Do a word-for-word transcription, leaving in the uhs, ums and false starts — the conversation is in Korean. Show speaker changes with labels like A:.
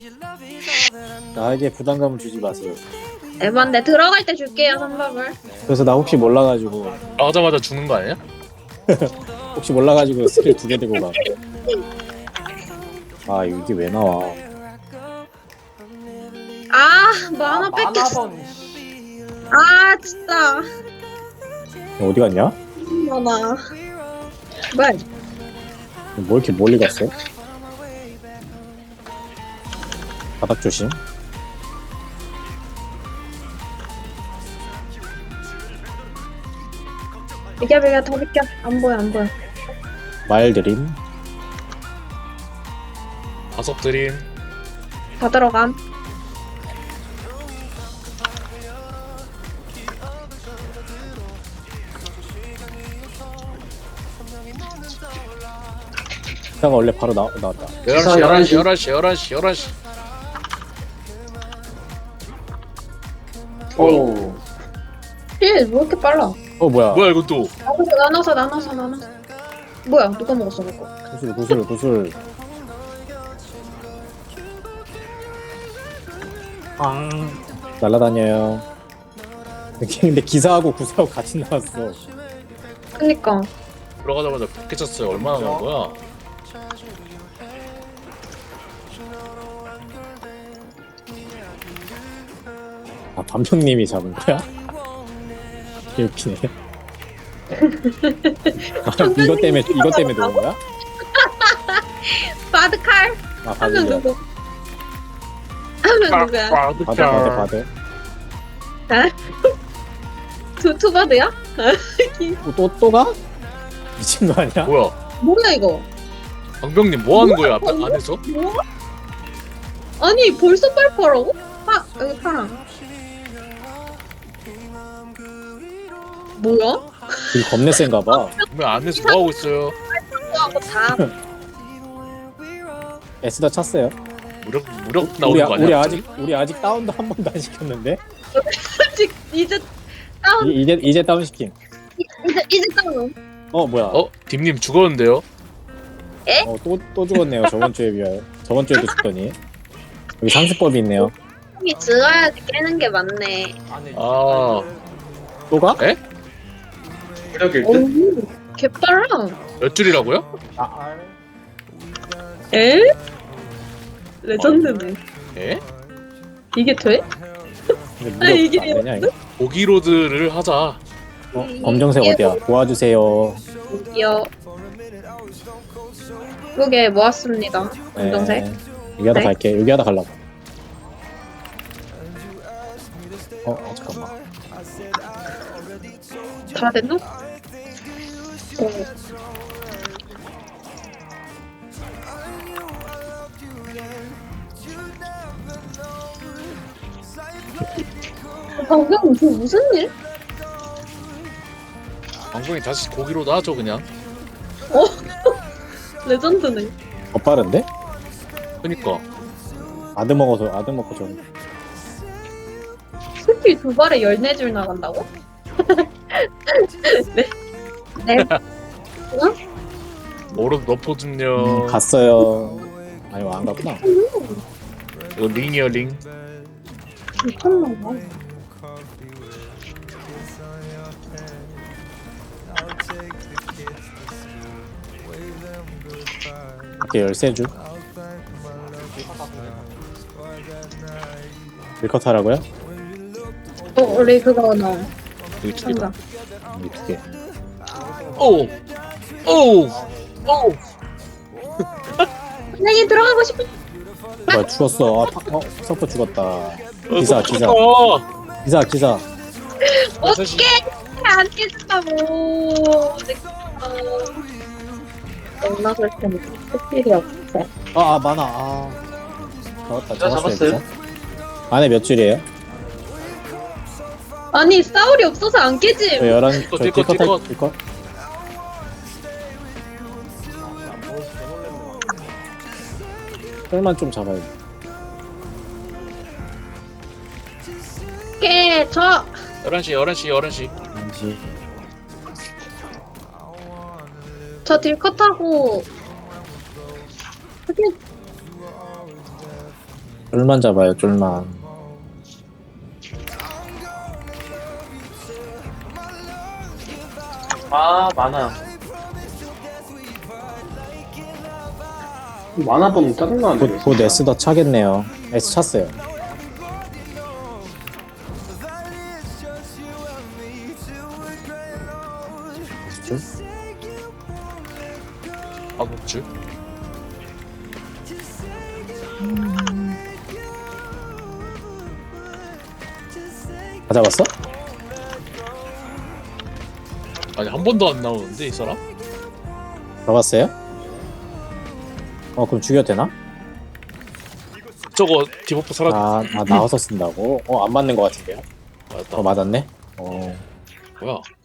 A: 나에게 부담감을 주지 마세요.
B: 에반데 들어갈 때 줄게요 선밥을.
A: 그래서 나 혹시 몰라가지고
C: 나오자마자 죽는 거 아니야?
A: 혹시 몰라가지고 스킬 두 개 들고 가. 아 이게 왜 나와?
B: 아 만화 뺏겼어.
D: 만화번 씨.
B: 아 진짜
A: 어디 갔냐?
B: 만화. 뭐야?
A: 뭐 이렇게 멀리 갔어? 바닥 조심.
B: 비켜 비켜 더 비켜. 안 보여 안 보여.
A: 말 드림.
C: 다섯 드림.
B: 다 들어감.
A: 기사가 원래 바로 나, 나왔다.
C: 열한 시, 열한 시, 열한 시, 열한 시, 열한 시.
D: 오.
B: 힐왜 이렇게 빨라?
A: 어 뭐야?
C: 뭐야 이건 또?
B: 나눠서 나눠서 나눠서. 뭐야 누가 먹었어 그거?
A: 구슬 구슬 구슬. 아 날라다녀요. 근데 기사하고 구사하고 같이 나왔어.
B: 그니까.
C: 들어가자마자 백개 쳤어요. 얼마나 나온 거야?
A: 아 밤형님이 잡은 거야? 개웃기네. 아, 이것 때문에 이것 때문에 놓은 거야?
B: 바드칼
A: 아
B: 하면
A: 바드
B: 누구? 하면 누구야?
A: 바드 바드 바드.
B: 두 투바드야?
A: 또 또 또 가? 미친 거 아니야?
C: 뭐야?
B: 뭐야 이거?
C: 방병님 뭐 하는 거야? 앞에 안에서?
B: 뭐? 아니 벌써 빨파라고? 파 여기 파랑. 뭐야?
A: 이 겁내 센가 봐.
C: 왜 안에서 뭐 하고 있어요?
B: 하고 다.
A: 에스더 찼어요.
C: 무력 무력
A: 우리,
C: 나오는 거 아니야?
A: 우리
C: 갑자기?
A: 아직 우리 아직 다운도 한 번도 안 시켰는데
B: 아직 이제 다운
A: 이, 이제 이제 다운 시킴.
B: 이제 이제 다운.
A: 어 뭐야?
C: 어? 딥님 죽었는데요?
A: 또 또 죽었네요. 저번 주에 비하여. 저번 주에도 죽더니 여기 상습법이 있네요.
B: 이 들어야지 깨는 게 맞네.
D: 아니.
C: 아.
A: 또 가?
C: 에?
D: 무력일 듯.
B: 오 개빨라.
C: 몇 줄이라고요?
D: 아.
B: 에? 레전드네.
C: 에?
B: 이게 돼?
A: 근데
B: 아니,
A: 무력
B: 이게
A: 안 되냐 이거?
C: 고기로드를 하자.
A: 어, 검정색 어디야? 도와주세요.
B: 여기요. 예쁘게 모았습니다. 검정색.
A: 네. 여기 하다
B: 네.
A: 갈게. 여기 하다 갈라고. 어, 어 잠깐만.
B: 다 됐나? 어. 방금 그 무슨 일?
C: 방병이 다시 고기로드 하죠 그냥.
B: 레전드네.
A: 더 빠른데?
C: 그니까.
A: 아드 먹어서 아드 먹고 좀.
B: 스킬 두 발에 열네 줄 나간다고? 네. 네.
C: 오른 너포 좀요.
A: 음, 갔어요. 아니 안 갔구나.
C: 이거 링이요 링.
B: 미쳤나 봐.
A: 이렇게 열세 줄. 밀컷 하라고요?
B: 어, 우리 그거 넣어.
C: 여기 두 개다.
B: 한다.
A: 이 두 개.
C: 오! 오! 오!
B: 선생님 들어가고 싶어.
A: 뭐야 죽었어. 아, 파, 어 서퍼 죽었다. 기사
C: 어,
A: 기사
C: 깜짝아.
A: 기사 기사.
B: 어떻게 안 깨진다고. 너무나 그럴 텐데 스킬이 없어.
A: 아, 아 많아. 아 잡았다.
D: 기사
A: 잡았어요.
D: 잡았어요?
A: 기사. 안에 몇 줄이에요?
B: 아니 싸울이 없어서 안 깨지.
A: 저 열한. 저
C: 딜컷, 딜컷,
A: 딜컷 할 딜컷. 혈만 좀 잡아야 돼.
B: 깨 저.
C: 열한 시, 열한 시, 열한 시.
A: 왠지
B: 저 딜컷하고. 스킬
A: 쫄만 잡아요, 쫄만.
D: 아 많아. 만화 보면 짜증나는데.
A: 곧, 곧 S 더 차겠네요. S 찼어요. 줄?
C: 아국줄.
A: 다 잡았어?
C: 아니 한 번도 안 나오는데 이 사람?
A: 잡았어요? 어, 그럼 죽여도 되나?
C: 저거 디버프 사라졌.
A: 아, 아 나와서 쓴다고? 어, 안 맞는 것 같은데요?
C: 맞다.
A: 어, 맞았네? 어,
C: 뭐야?